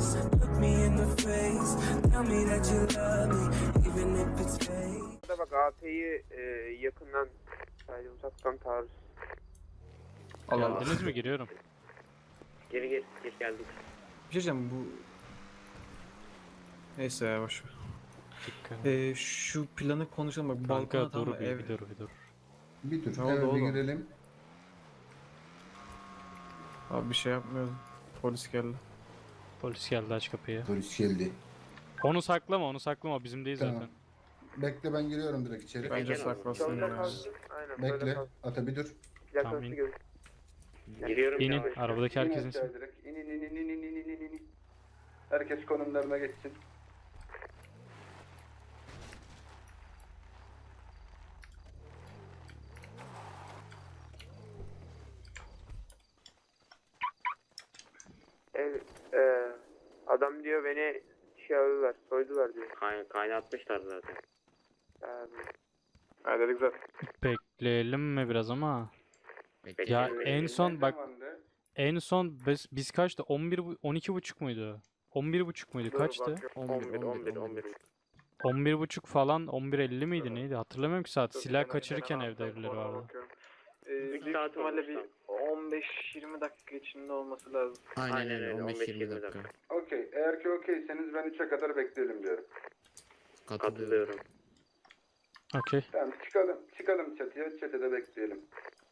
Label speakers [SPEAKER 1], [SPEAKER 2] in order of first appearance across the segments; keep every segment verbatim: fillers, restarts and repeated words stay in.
[SPEAKER 1] Look me in the face, tell me that you love me, even if it's fake.
[SPEAKER 2] Bak A P'yi e, yakından, sadece uzaktan taarruz.
[SPEAKER 3] Geldiniz mi? Giriyorum.
[SPEAKER 4] Geri geri geri geldik.
[SPEAKER 5] Bir şey diyeceğim bu... Neyse ya boş ver.
[SPEAKER 3] Dikkat.
[SPEAKER 5] Ee, şu planı konuşalım bak balkona
[SPEAKER 3] Kanka
[SPEAKER 5] tamam
[SPEAKER 3] dur
[SPEAKER 5] mı?
[SPEAKER 3] bir,
[SPEAKER 5] Ev...
[SPEAKER 3] bir dur bir dur.
[SPEAKER 6] Bir dur.
[SPEAKER 5] Ne oldu
[SPEAKER 6] Eve bir
[SPEAKER 5] oğlum?
[SPEAKER 6] girelim.
[SPEAKER 5] Abi bir şey yapmıyordum. Polis geldi.
[SPEAKER 3] Polis geldi, aç kapıyı.
[SPEAKER 6] Polis geldi.
[SPEAKER 3] Onu saklama, onu saklama, bizim değil
[SPEAKER 6] Tamam.
[SPEAKER 3] zaten.
[SPEAKER 6] Bekle, ben giriyorum direkt içeri.
[SPEAKER 5] Bence
[SPEAKER 4] gel
[SPEAKER 5] saklasın
[SPEAKER 2] Solda
[SPEAKER 5] ya.
[SPEAKER 2] kalsın, aynen böyle
[SPEAKER 6] Bekle.
[SPEAKER 2] kalsın.
[SPEAKER 6] Ata bir dur.
[SPEAKER 2] Plakası
[SPEAKER 3] Tamam, in.
[SPEAKER 2] görün.
[SPEAKER 4] Giriyorum
[SPEAKER 3] İnin,
[SPEAKER 4] yavaş.
[SPEAKER 3] arabadaki
[SPEAKER 6] İn
[SPEAKER 3] herkesin.
[SPEAKER 6] aşağı direkt. İn in in in in in in in in. Herkes konumlarına geçsin.
[SPEAKER 2] Evet, e, adam diyor beni şey aldılar, soydular diyor.
[SPEAKER 4] Kay kaynatmışlar zaten.
[SPEAKER 2] Yani,
[SPEAKER 5] Halledik zaten.
[SPEAKER 3] Bekleyelim mi biraz ama? Ya
[SPEAKER 4] Bekleyelim.
[SPEAKER 3] en son bak,
[SPEAKER 6] Zamanda
[SPEAKER 3] en son biz, biz kaçtı? on bir, bu- on iki buçuk muydu? on bir buçuk muydu?
[SPEAKER 2] dur
[SPEAKER 3] Kaçtı?
[SPEAKER 2] bakıyorum.
[SPEAKER 4] on bir on bir on bir.
[SPEAKER 3] on bir buçuk falan, on bir elli miydi neydi? Hatırlamıyorum ki saat.
[SPEAKER 2] Dur,
[SPEAKER 3] Silah
[SPEAKER 2] hemen-
[SPEAKER 3] kaçırırken
[SPEAKER 2] hemen
[SPEAKER 3] evde birileri
[SPEAKER 2] ona
[SPEAKER 3] vardı.
[SPEAKER 2] bakıyorum.
[SPEAKER 4] üç
[SPEAKER 2] Büyük
[SPEAKER 4] saat
[SPEAKER 2] ihtimalle
[SPEAKER 4] olmuş
[SPEAKER 2] bir
[SPEAKER 4] lan.
[SPEAKER 2] on beş yirmi dakika içinde olması lazım.
[SPEAKER 7] Aynen,
[SPEAKER 4] Aynen
[SPEAKER 7] öyle
[SPEAKER 4] öyle,
[SPEAKER 7] on beş yirmi dakika.
[SPEAKER 6] Okey. Eğer ki okeyseniz ben üçe kadar bekleyelim diyorum.
[SPEAKER 7] Katılıyorum.
[SPEAKER 4] Katılıyorum.
[SPEAKER 3] Okey.
[SPEAKER 6] Tamam, çıkalım. Çıkalım çatıya. Çatıda bekleyelim.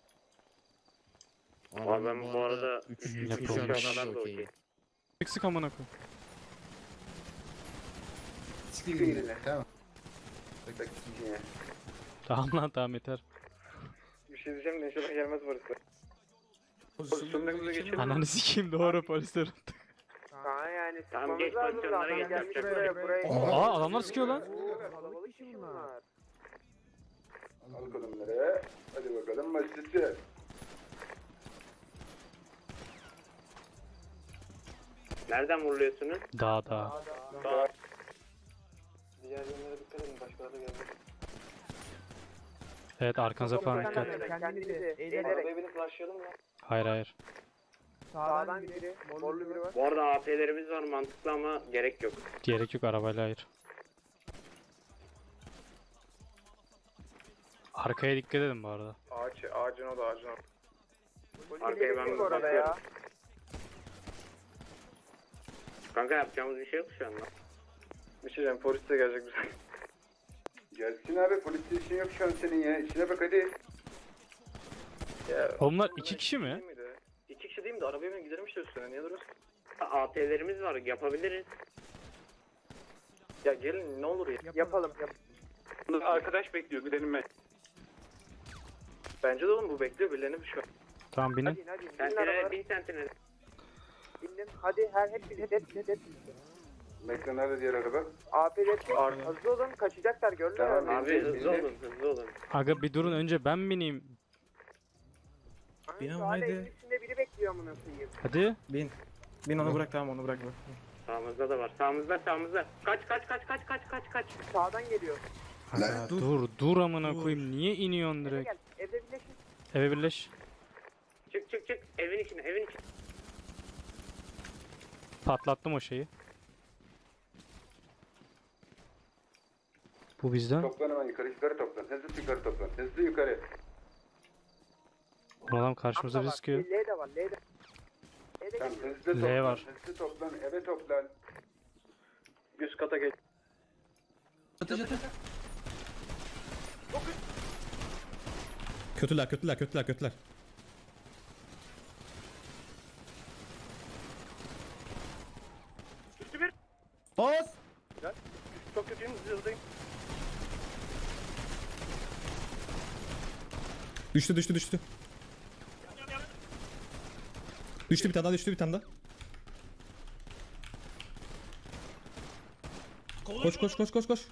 [SPEAKER 4] Ama ben bu arada
[SPEAKER 7] üç
[SPEAKER 4] üç-
[SPEAKER 7] üç
[SPEAKER 3] üç
[SPEAKER 7] üç
[SPEAKER 3] yapılmış.
[SPEAKER 7] kadar da
[SPEAKER 4] da
[SPEAKER 7] okey.
[SPEAKER 4] okey.
[SPEAKER 3] Sık sık amına koyayım.
[SPEAKER 6] Çıkın yine. Tamam. Bekle. Yine.
[SPEAKER 3] Tamam lan, tamam yeter.
[SPEAKER 2] Bir şey diyeceğim de inşallah gelmez burası. Pozisyonlarımıza geçelim.
[SPEAKER 3] Ananı sikeyim, doğru polisler.
[SPEAKER 2] Aa yani
[SPEAKER 4] Tamam,
[SPEAKER 2] sıkmamız
[SPEAKER 4] geç
[SPEAKER 2] lazım
[SPEAKER 4] pozisyonlara
[SPEAKER 2] zaten.
[SPEAKER 4] geç,
[SPEAKER 2] Gelmiş
[SPEAKER 4] yapacak
[SPEAKER 2] buraya,
[SPEAKER 4] bir
[SPEAKER 2] buraya.
[SPEAKER 6] şey yok.
[SPEAKER 3] Aa, adamlar sıkıyor lan.
[SPEAKER 2] Oo, kalabalık işi bunlar.
[SPEAKER 6] Al konumları. Hadi bakalım başlasın.
[SPEAKER 4] Nereden vuruluyorsunuz?
[SPEAKER 3] Daha daha.
[SPEAKER 2] Diğer yönlere dikkat edin, başkaları da geldi.
[SPEAKER 3] Evet, arkanıza falan dikkat.
[SPEAKER 2] Kendinizi eğilerek. Arabaya binip başlayalım mı?
[SPEAKER 3] Hayır hayır.
[SPEAKER 2] Sağdan biri, morlu biri var.
[SPEAKER 4] Bu arada A P'lerimiz var, mantıklı ama gerek yok.
[SPEAKER 3] Gerek yok, arabayla hayır. Arkaya dikkat edin bu arada.
[SPEAKER 2] Ağaç, ağacın o da ağacın o.
[SPEAKER 4] Arkaya ben
[SPEAKER 2] bu arada ya.
[SPEAKER 4] Kanka yapacağımız bir şey yok şu anda.
[SPEAKER 2] Bir şey diyeceğim, polis de gelecek bize.
[SPEAKER 6] Gelsin abi, polisle işin yok şu an senin ya. İşine bak hadi.
[SPEAKER 2] Ya,
[SPEAKER 3] Onlar iki kişi mi?
[SPEAKER 2] İki kişi değil mi de arabaya ben giderim işte üstüne, niye duruyorsun?
[SPEAKER 4] A P'lerimiz var, yapabiliriz.
[SPEAKER 2] Ya gelin ne olur ya. Yapalım. Yap. Arkadaş bekliyor, gidelim ben. Bence de oğlum bu bekliyor birilerini şu an.
[SPEAKER 3] Tamam binin.
[SPEAKER 2] Hadi hadi. Binin
[SPEAKER 4] Sentinel,
[SPEAKER 2] arabalara.
[SPEAKER 4] bin sentinel.
[SPEAKER 2] Bindim. Hadi her hep hep hep hep hep.
[SPEAKER 6] Bekle, nerede diğer araba?
[SPEAKER 2] A P hep hızlı olun, kaçacaklar gördün mü?
[SPEAKER 6] Tamam,
[SPEAKER 4] Abi hızlı olun, hızlı olun.
[SPEAKER 3] Aga bir durun, önce ben bineyim.
[SPEAKER 5] Bin
[SPEAKER 2] Şu
[SPEAKER 5] ama
[SPEAKER 2] hala
[SPEAKER 5] hadi.
[SPEAKER 2] evin içinde biri bekliyor amına koyayım.
[SPEAKER 3] Hadi.
[SPEAKER 5] Bin. Bin onu bırak tamam onu bırak bırak.
[SPEAKER 4] Sağımızda da var, sağımızda, sağımızda. Kaç, kaç, kaç, kaç, kaç, kaç, kaç.
[SPEAKER 2] Sağdan geliyor.
[SPEAKER 3] Aga,
[SPEAKER 5] dur.
[SPEAKER 3] dur dur amına koyayım, niye iniyorsun
[SPEAKER 2] Eve
[SPEAKER 3] direkt?
[SPEAKER 2] gel. Evde birleşin.
[SPEAKER 3] Eve birleş.
[SPEAKER 4] Çık, çık, çık. Evin içine, evin içine.
[SPEAKER 3] Patlattım o şeyi. Bu bizden.
[SPEAKER 6] Toplan hemen yukarı, yukarı toplan. Hızlı yukarı toplan. Hızlı yukarı.
[SPEAKER 3] O adam karşımıza bizi sıkıyor.
[SPEAKER 2] L de var, L de. L de
[SPEAKER 6] Tamam,
[SPEAKER 2] geliyor.
[SPEAKER 6] hızlı
[SPEAKER 3] L
[SPEAKER 6] toplan.
[SPEAKER 3] var.
[SPEAKER 6] Hızlı toplan, eve toplan.
[SPEAKER 2] Üst kata geç.
[SPEAKER 8] Kötüler, kötüler, kötüler, kötüler.
[SPEAKER 2] Üstü bir.
[SPEAKER 8] Bas!
[SPEAKER 2] Çok kötüyüm, hızlıyım.
[SPEAKER 8] Düştü, düştü, düştü. Düştü bir tane daha, düştü bir tane daha. Koş, koş, koş, koş, koş.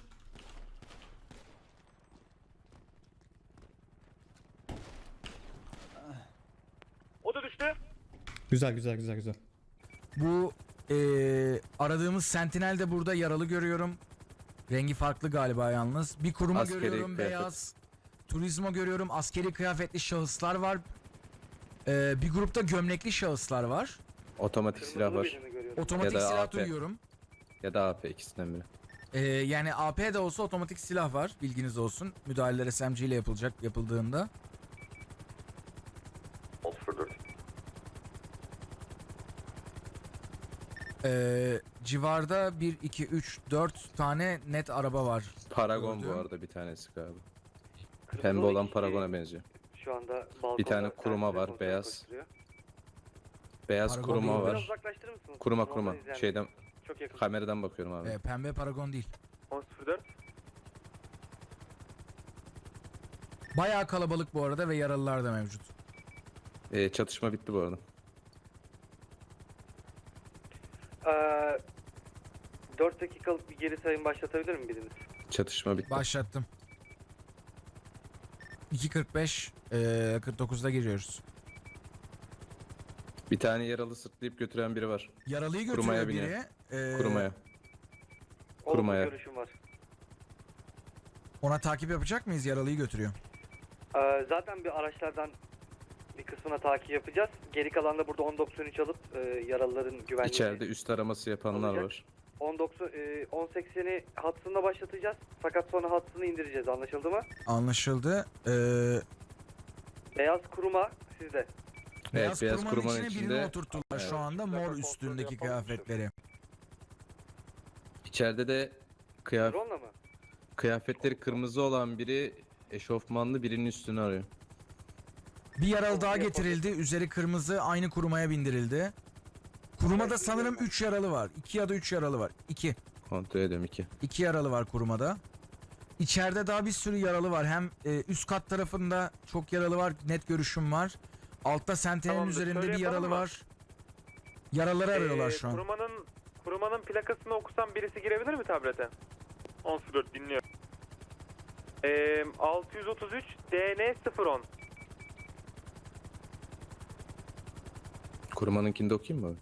[SPEAKER 2] O da düştü.
[SPEAKER 8] Güzel, güzel, güzel, güzel.
[SPEAKER 9] Bu eee, aradığımız sentinel de burada yaralı görüyorum. Rengi farklı galiba yalnız. Bir kuruma
[SPEAKER 7] Askeri
[SPEAKER 9] görüyorum
[SPEAKER 7] kıyafet.
[SPEAKER 9] beyaz. Turizmo görüyorum. Askeri kıyafetli şahıslar var. Eee, bir grupta gömlekli şahıslar var.
[SPEAKER 7] Otomatik silah var.
[SPEAKER 9] Otomatik
[SPEAKER 7] Ya da
[SPEAKER 9] silah
[SPEAKER 7] A P.
[SPEAKER 9] duyuyorum.
[SPEAKER 7] Ya da A P ikisinden biri.
[SPEAKER 9] Ee, yani A P de olsa otomatik silah var. Bilginiz olsun. Müdahaleler S M G ile yapılacak yapıldığında. Ee, civarda bir, iki, üç, dört tane net araba var.
[SPEAKER 7] Paragon bu
[SPEAKER 9] Gördüm.
[SPEAKER 7] arada bir tanesi galiba. Pembe olan Paragon'a benziyor.
[SPEAKER 2] Şu anda balkonda
[SPEAKER 7] Bir tane kuruma
[SPEAKER 2] servisle
[SPEAKER 7] var,
[SPEAKER 2] kontrol
[SPEAKER 7] beyaz.
[SPEAKER 2] koşturuyor.
[SPEAKER 7] Beyaz
[SPEAKER 9] Paragon
[SPEAKER 7] kuruma
[SPEAKER 9] değil.
[SPEAKER 2] Biraz
[SPEAKER 7] var.
[SPEAKER 2] uzaklaştırır mısınız?
[SPEAKER 7] Kuruma
[SPEAKER 2] Oradan
[SPEAKER 7] kuruma.
[SPEAKER 2] izleyen-
[SPEAKER 7] Şeyden
[SPEAKER 2] Çok yakın.
[SPEAKER 7] kameradan bakıyorum abi.
[SPEAKER 9] Ee, pembe Paragon değil.
[SPEAKER 2] on sıfır dört.
[SPEAKER 9] Bayağı kalabalık bu arada ve yaralılar da mevcut.
[SPEAKER 7] Ee, çatışma bitti bu arada.
[SPEAKER 2] Ee, dört dakikalık bir geri sayım başlatabilir mi biriniz?
[SPEAKER 7] Çatışma bitti.
[SPEAKER 9] Başlattım. iki kırk beş, ee, kırk dokuzda giriyoruz.
[SPEAKER 7] Bir tane yaralı sırtlayıp götüren biri var.
[SPEAKER 9] Yaralıyı götürüyor
[SPEAKER 7] Kurumaya
[SPEAKER 9] biri.
[SPEAKER 7] biniyor.
[SPEAKER 9] Ee,
[SPEAKER 7] Kurumaya.
[SPEAKER 2] Olumlu
[SPEAKER 7] Kurumaya.
[SPEAKER 2] görüşüm var.
[SPEAKER 9] Ona takip yapacak mıyız? Yaralıyı götürüyor.
[SPEAKER 2] Ee, zaten bir araçlardan bir kısmına takip yapacağız. Geri kalan da burada on doksan üç alıp e, yaralıların güvenliğini...
[SPEAKER 7] İçeride üst araması yapanlar
[SPEAKER 2] Olacak.
[SPEAKER 7] var.
[SPEAKER 2] on doksan, e, on sekseni hattında başlatacağız. Fakat sonra hattını indireceğiz. Anlaşıldı mı?
[SPEAKER 9] Anlaşıldı. Ee,
[SPEAKER 2] Beyaz kuruma sizde.
[SPEAKER 9] beyaz,
[SPEAKER 7] beyaz
[SPEAKER 9] kurumanın
[SPEAKER 7] kurumanın
[SPEAKER 9] içine
[SPEAKER 7] içinde-
[SPEAKER 9] birini oturttular
[SPEAKER 7] Evet.
[SPEAKER 9] şu anda mor üstündeki kıyafetleri.
[SPEAKER 7] İçeride de kıyaf
[SPEAKER 2] Drone'la mı?
[SPEAKER 7] kıyafetleri kırmızı olan biri eşofmanlı birinin üstünü arıyor.
[SPEAKER 9] Bir yaralı daha getirildi. Üzeri kırmızı, aynı kurumaya bindirildi. Kurumada sanırım üç yaralı var. iki ya da üç yaralı var. iki.
[SPEAKER 7] Kontrol ediyorum iki.
[SPEAKER 9] iki yaralı var kurumada. İçeride daha bir sürü yaralı var. Hem e, üst kat tarafında çok yaralı var. Net görüşüm var. Altta sentenin
[SPEAKER 4] Tamamdır,
[SPEAKER 9] üzerinde
[SPEAKER 4] şöyle
[SPEAKER 9] bir yaralı
[SPEAKER 4] yapalım mı?
[SPEAKER 9] var. Yaralıları arıyorlar
[SPEAKER 4] Ee,
[SPEAKER 9] şu an.
[SPEAKER 4] Kurumanın, kurumanın plakasını okusam birisi girebilir mi tablete? on sıfır dört dinliyorum. Ee, altı yüz otuz üç D N sıfır on.
[SPEAKER 7] Kurumanınkini de okuyayım mı abi?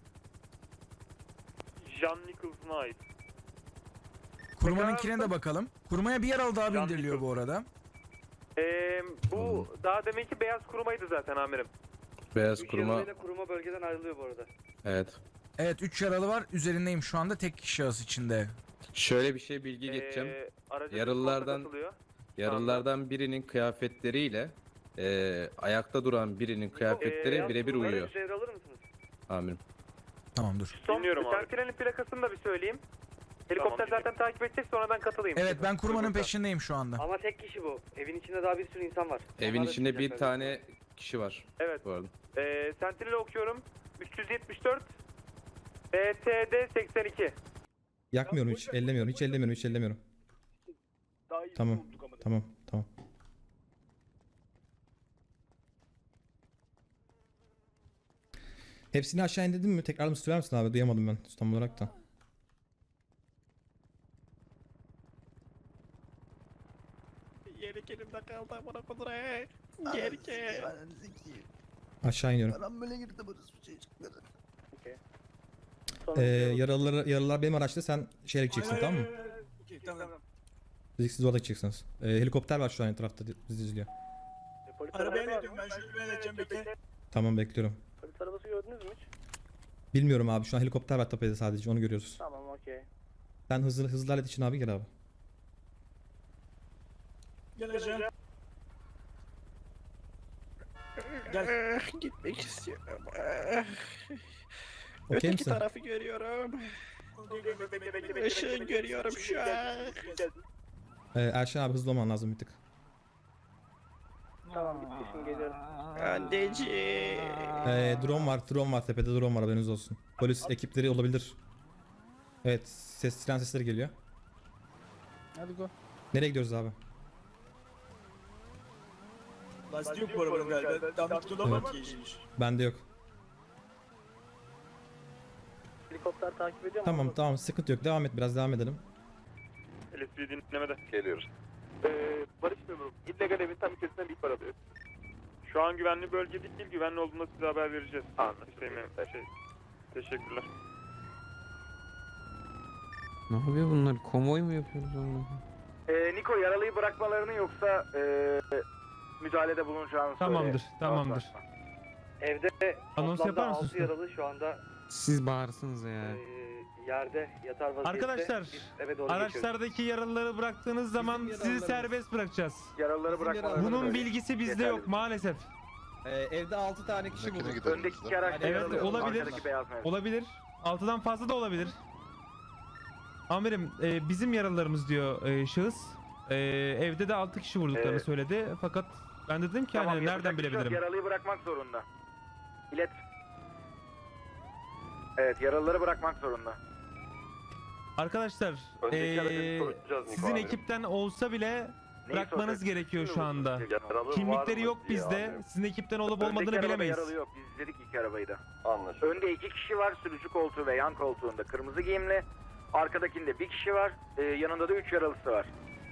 [SPEAKER 4] John Nicholson'a ait.
[SPEAKER 9] Kurumanınkine de bakalım. Kurumaya bir yaralı daha
[SPEAKER 4] Can
[SPEAKER 9] bindiriliyor bu
[SPEAKER 4] Nicholson.
[SPEAKER 9] arada.
[SPEAKER 4] Ee, bu daha deminki beyaz kurumaydı zaten amirim.
[SPEAKER 7] Beyaz
[SPEAKER 2] Üç
[SPEAKER 7] kuruma.
[SPEAKER 2] yaralıyla kuruma bölgeden ayrılıyor bu arada.
[SPEAKER 7] Evet.
[SPEAKER 9] Evet üç yaralı var. Üzerindeyim şu anda tek şahıs içinde.
[SPEAKER 7] Şöyle bir şey bilgi geçeceğim.
[SPEAKER 4] Ee, araca
[SPEAKER 7] Yaralılardan-
[SPEAKER 4] bir katılıyor.
[SPEAKER 7] Yaralılardan birinin kıyafetleriyle eee ayakta duran birinin kıyafetleri
[SPEAKER 4] Ee,
[SPEAKER 7] birebir
[SPEAKER 2] Bunları
[SPEAKER 7] uyuyor.
[SPEAKER 2] bir devralır mısınız?
[SPEAKER 7] Amirim.
[SPEAKER 9] Tamam dur.
[SPEAKER 4] Son,
[SPEAKER 5] Dinliyorum abi.
[SPEAKER 4] Sentinel'in plakasını da bir söyleyeyim. Helikopter
[SPEAKER 5] Tamam,
[SPEAKER 4] zaten takip edecek sonradan katılayım.
[SPEAKER 9] Evet ben kurumanın
[SPEAKER 4] Uygunsa.
[SPEAKER 9] peşindeyim şu anda.
[SPEAKER 2] Ama tek kişi bu. Evin içinde daha bir sürü insan var.
[SPEAKER 7] Evin
[SPEAKER 2] Onlar da
[SPEAKER 7] içinde bir
[SPEAKER 2] çıkacaklar.
[SPEAKER 7] tane kişi var
[SPEAKER 4] Evet.
[SPEAKER 7] bu arada.
[SPEAKER 4] Ee, Sentinel'i okuyorum. üç yüz yetmiş dört B T D seksen iki.
[SPEAKER 8] Yakmıyorum hiç. Ellemiyorum. Hiç ellemiyorum. Hiç ellemiyorum. Tamam. Tamam. Tamam. Hepsini aşağı indirdin mi? Tekrar mı söyler misin abi? Duyamadım ben tam olarak da.
[SPEAKER 3] Yeri elimde kaldı bana kudret. Geri gel.
[SPEAKER 8] Aşağı iniyorum. Ee, yaralılar, yaralılar benim araçta, sen şeyle gideceksin, tamam mı? Siz, siz orada gideceksiniz. Ee, helikopter var şu an etrafta, bizi izliyor.
[SPEAKER 2] Arabaya ne diyorum ben şöyle bir edeceğim bekle.
[SPEAKER 8] Tamam, bekliyorum.
[SPEAKER 2] Polis arabası gördünüz mü hiç?
[SPEAKER 8] Bilmiyorum abi, şu an helikopter var tepede, sadece onu görüyoruz.
[SPEAKER 2] Tamam okey.
[SPEAKER 8] Sen hızlı hızlı hallet için abi, gel abi.
[SPEAKER 5] Geleceğim.
[SPEAKER 3] Gel. Gitmek istiyorum.
[SPEAKER 8] Okey
[SPEAKER 3] Öteki
[SPEAKER 8] misin?
[SPEAKER 3] tarafı görüyorum. Işığı görüyorum şu an.
[SPEAKER 8] Ee, Erşen abi, hızlı olman lazım bir tık.
[SPEAKER 2] Tamam bitti şimdi geliyorum.
[SPEAKER 3] Anneciğim.
[SPEAKER 8] Ee, drone var, drone var tepede, drone var, haberiniz olsun. Polis ekipleri olabilir. Evet, ses, siren sesleri geliyor.
[SPEAKER 3] Hadi go.
[SPEAKER 8] Nereye gidiyoruz abi?
[SPEAKER 5] Lastik yok bu arabanın galiba. Tam tutulamam ki işmiş.
[SPEAKER 8] Bende yok.
[SPEAKER 2] Helikopter takip ediyor mu?
[SPEAKER 8] Tamam tamam, sıkıntı yok, devam et, biraz devam edelim.
[SPEAKER 4] L S D dinlemede.
[SPEAKER 6] Geliyoruz.
[SPEAKER 4] Ee, Barış memurum. İllegal evin tam içerisinden bir ihbar alıyor. Şu an güvenli bölge değil, güvenli olduğunda size haber vereceğiz. Anladım. Şey, şey, teşekkürler.
[SPEAKER 7] Ne yapıyor bunlar? Konvoy mu yapıyoruz onu?
[SPEAKER 2] Ee, Niko yaralıyı bırakmalarını yoksa ee, müdahalede bulunacağını
[SPEAKER 3] Tamamdır,
[SPEAKER 2] söyle.
[SPEAKER 3] tamamdır.
[SPEAKER 2] Evde
[SPEAKER 3] Anons
[SPEAKER 2] toplamda
[SPEAKER 3] yapar mısın
[SPEAKER 2] altı
[SPEAKER 3] usta?
[SPEAKER 2] yaralı şu anda
[SPEAKER 10] Siz bağırsınız ya.
[SPEAKER 2] Ee, yerde yatar vaziyette
[SPEAKER 5] Arkadaşlar,
[SPEAKER 2] biz eve doğru geçiyoruz.
[SPEAKER 5] Araçlardaki yaralıları bıraktığınız zaman sizi
[SPEAKER 8] yaralılarımız.
[SPEAKER 5] serbest bırakacağız.
[SPEAKER 4] Yaralıları bırakmaları.
[SPEAKER 5] Bunun bilgisi bizde yok maalesef.
[SPEAKER 7] Ee, evde altı tane kişi bulduk.
[SPEAKER 4] Öndeki iki araç
[SPEAKER 5] Evet,
[SPEAKER 4] yaralı.
[SPEAKER 5] olabilir.
[SPEAKER 4] Arkadaki beyaz mevcut.
[SPEAKER 5] Olabilir. Altıdan fazla da olabilir. Amirim e, bizim yaralılarımız diyor e, şahıs. E, evde de altı kişi vurduklarını
[SPEAKER 4] Evet.
[SPEAKER 5] söyledi. Fakat ben de dedim ki
[SPEAKER 4] Tamam,
[SPEAKER 5] hani
[SPEAKER 4] yapacak
[SPEAKER 5] nereden
[SPEAKER 4] bir şey yok.
[SPEAKER 5] bilebilirim?
[SPEAKER 4] Yaralıyı bırakmak zorunda. İlet. Evet, yaralıları bırakmak zorunda.
[SPEAKER 5] Arkadaşlar e, sizin ekipten olsa bile bırakmanız gerekiyor şu anda. Kimlikleri yok bizde. Sizin ekipten olup
[SPEAKER 4] Öndeki
[SPEAKER 5] olmadığını
[SPEAKER 4] arabada
[SPEAKER 5] bilemeyiz.
[SPEAKER 4] Yaralı yok. Biz izledik iki arabayı da. Anlaşıldı. Önde iki kişi var. Sürücü koltuğu ve yan koltuğunda kırmızı giyimli. Arkadakinde bir kişi var. Ee, yanında da üç yaralısı var.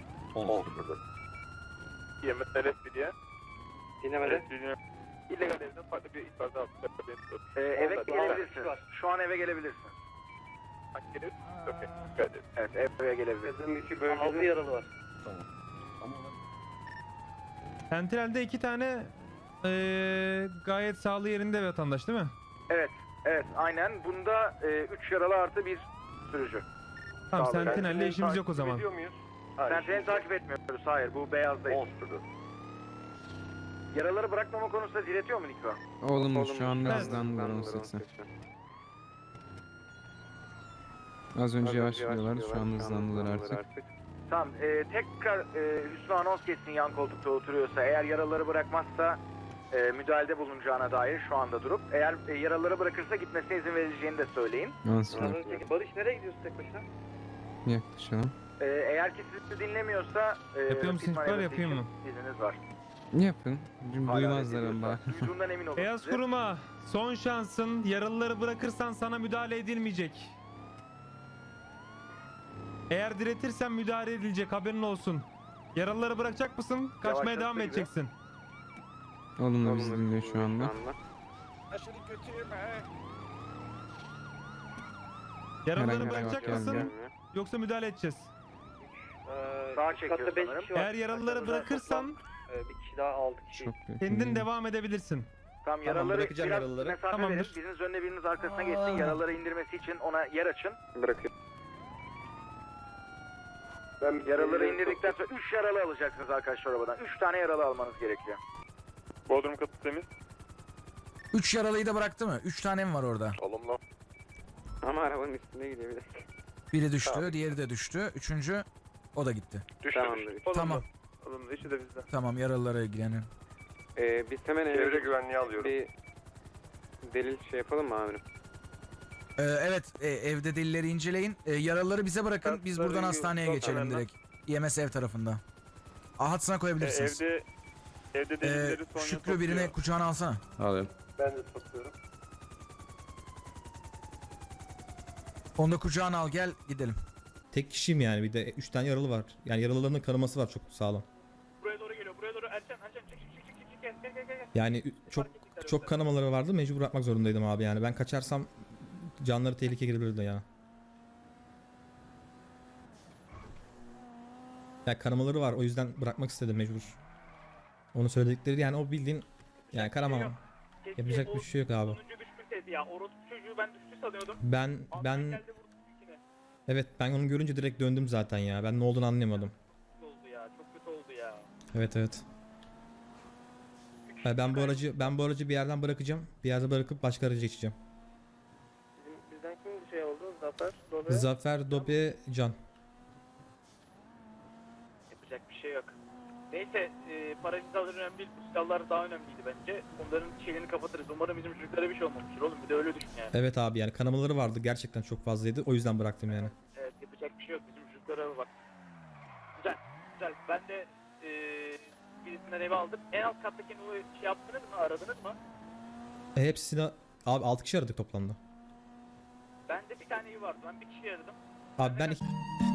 [SPEAKER 4] Yemek L P diye.
[SPEAKER 2] Dinlemede.
[SPEAKER 4] İllegal evden farklı bir ihbarda aldık. Ee, eve gelebilirsin. Şu an eve gelebilirsin. Evet, eve gelebilirsin.
[SPEAKER 6] Bizim iki bölgede...
[SPEAKER 2] altı yaralı var.
[SPEAKER 5] Sentinel'de iki tane e, gayet sağlığı yerinde vatandaş değil mi?
[SPEAKER 4] Evet, evet, aynen. Bunda e, üç yaralı artı bir sürücü.
[SPEAKER 5] Tamam,
[SPEAKER 4] Sağlığı.
[SPEAKER 5] Sentinel'le işimiz yok o zaman.
[SPEAKER 4] Sentinel'i takip etmiyoruz, hayır. Bu beyazdayız. Yaraları bırakmama konusunda diretiyor mu Niko?
[SPEAKER 10] Oğlum şu an
[SPEAKER 5] Evet.
[SPEAKER 10] hızlandılar on seksen. Az önce yavaş gidiyorlar, şu an hızlandılar artık.
[SPEAKER 4] Tamam, e, tekrar e, Hüsnü anons geçsin yan koltukta oturuyorsa. Eğer yaraları bırakmazsa e, müdahalede bulunacağına dair şu anda durup. Eğer e, yaraları bırakırsa gitmesine izin verileceğini de söyleyin.
[SPEAKER 10] Nasıl?
[SPEAKER 2] Az önceki Barış nereye gidiyorsun tek başına?
[SPEAKER 10] Yaklaşalım.
[SPEAKER 4] E, eğer ki sizi dinlemiyorsa... E,
[SPEAKER 5] Yapıyor musun?
[SPEAKER 4] pit
[SPEAKER 5] İhbar
[SPEAKER 4] manevrası
[SPEAKER 5] yapayım
[SPEAKER 4] için
[SPEAKER 5] mı?
[SPEAKER 4] İzniniz var.
[SPEAKER 10] Yapın. Çünkü
[SPEAKER 4] Hala
[SPEAKER 10] duymazlar
[SPEAKER 4] reddediyorsa,
[SPEAKER 10] ama.
[SPEAKER 4] Duyduğundan emin olun.
[SPEAKER 5] Beyaz
[SPEAKER 4] size.
[SPEAKER 5] kuruma son şansın. Yaralıları bırakırsan sana müdahale edilmeyecek. Eğer diretirsen müdahale edilecek, haberin olsun. Yaralıları bırakacak mısın? Kaçmaya
[SPEAKER 4] Yavaşlatsa
[SPEAKER 5] devam
[SPEAKER 4] gibi.
[SPEAKER 5] edeceksin.
[SPEAKER 10] Oğlum da bizi dinliyor şu anda.
[SPEAKER 5] Yaralıları
[SPEAKER 10] Herhangi bir
[SPEAKER 5] bırakacak
[SPEAKER 10] cevap
[SPEAKER 5] mısın?
[SPEAKER 10] gelmiyor.
[SPEAKER 5] Yoksa müdahale edeceğiz.
[SPEAKER 2] Ee,
[SPEAKER 4] Sağa
[SPEAKER 2] üst
[SPEAKER 4] çekiyor
[SPEAKER 2] katta beş
[SPEAKER 4] sanırım.
[SPEAKER 2] kişi var.
[SPEAKER 5] Eğer yaralıları
[SPEAKER 2] Aşağıda
[SPEAKER 5] bırakırsan
[SPEAKER 2] toplam, e, bir kişi daha altı kişi.
[SPEAKER 10] Çok kötü.
[SPEAKER 5] kendin devam edebilirsin.
[SPEAKER 4] Tamam, yaraları
[SPEAKER 8] bırakacağım
[SPEAKER 4] biraz
[SPEAKER 8] yaralıları.
[SPEAKER 4] mesafe
[SPEAKER 5] Tamamdır.
[SPEAKER 4] verin. Biriniz önüne biriniz arkasına geçsin. Yaraları indirmesi için ona yer açın.
[SPEAKER 6] Bırakıyorum. Ben
[SPEAKER 4] Yaraları indirdikten sonra üç yaralı alacaksınız arkadaşlar arabadan. üç tane yaralı almanız gerekiyor. Bodrum katı temiz.
[SPEAKER 9] üç yaralıyı da bıraktı mı? üç tane mi var orada?
[SPEAKER 4] Olumlu.
[SPEAKER 2] Ama arabanın üstünde gidiyor bir dakika.
[SPEAKER 9] Biri düştü, diğeri de düştü. Üçüncü o da gitti.
[SPEAKER 4] Düştü.
[SPEAKER 2] Tamamdır.
[SPEAKER 9] Tamam.
[SPEAKER 4] Olumlu. İşi de bizde.
[SPEAKER 9] Tamam, yaralılara ilgileniyorum.
[SPEAKER 2] Ee, biz hemen eve
[SPEAKER 4] Çevre güvenliği alıyorum.
[SPEAKER 2] bir delil şey yapalım mı amirim?
[SPEAKER 9] Ee, evet, e, evde delilleri inceleyin. E, yaralıları bize bırakın. Biz buradan
[SPEAKER 4] Yaralıları
[SPEAKER 9] hastaneye
[SPEAKER 4] yok,
[SPEAKER 9] geçelim
[SPEAKER 4] hemen.
[SPEAKER 9] direkt. E M S ev tarafında. Ahatsına koyabilirsiniz.
[SPEAKER 4] evde evde
[SPEAKER 9] Ee,
[SPEAKER 4] delilleri son
[SPEAKER 9] Şükrü birini kucağına alsana.
[SPEAKER 7] Alıyorum.
[SPEAKER 6] Ben de tutuyorum.
[SPEAKER 9] Onu da kucağına al, gel gidelim.
[SPEAKER 8] Tek kişiyim yani, bir de üç tane yaralı var. Yani yaralıların kanaması var çok sağlam.
[SPEAKER 4] Buraya doğru geliyor. Buraya doğru. Ercan, Ercan çık çık çık çık çık gel gel gel gel.
[SPEAKER 8] Yani ü- çok çok kanamaları vardı, mecbur bırakmak zorundaydım abi yani. Ben kaçarsam canları tehlikeye girebilirdi ya. Ya kanamaları var, o yüzden bırakmak istedim mecbur. Onu söyledikleri yani, o bildiğin yani kanama. Yapacak bir şey yok abi.
[SPEAKER 4] Sonuncu bir ya. Orospu çocuğu ben düştü sanıyordum.
[SPEAKER 8] Ben ben evet, ben onu görünce direkt döndüm zaten ya. Ben ne olduğunu anlayamadım.
[SPEAKER 4] Oldu ya. Çok kötü oldu ya.
[SPEAKER 8] Evet evet. Ben ben bu aracı ben bu aracı bir yerden bırakacağım. Bir yerde bırakıp başka araca geçeceğim.
[SPEAKER 2] Bizim, bizden kim bir şey oldu? Zafer, Dobe.
[SPEAKER 8] Zafer, Dobe, Can.
[SPEAKER 4] Yapacak bir şey yok. Neyse, e, para cezaları önemli değil. Bu silahlar daha önemliydi bence. Onların şeylerini kapatırız. Umarım bizim çocuklara bir şey olmamıştır oğlum. Bir de öyle düşün yani.
[SPEAKER 8] Evet abi, yani kanamaları vardı gerçekten, çok fazlaydı. O yüzden bıraktım yani.
[SPEAKER 4] Evet, yapacak bir şey yok. Bizim çocuklara bak. Güzel, güzel. Ben de e, birisinden eve aldım. En alt kattaki o şey yaptınız mı? Aradınız mı?
[SPEAKER 8] E, hepsini abi altı kişi aradık toplamda.
[SPEAKER 4] Bende bir tane evi vardı. Ben bir kişi aradım.
[SPEAKER 8] Abi ben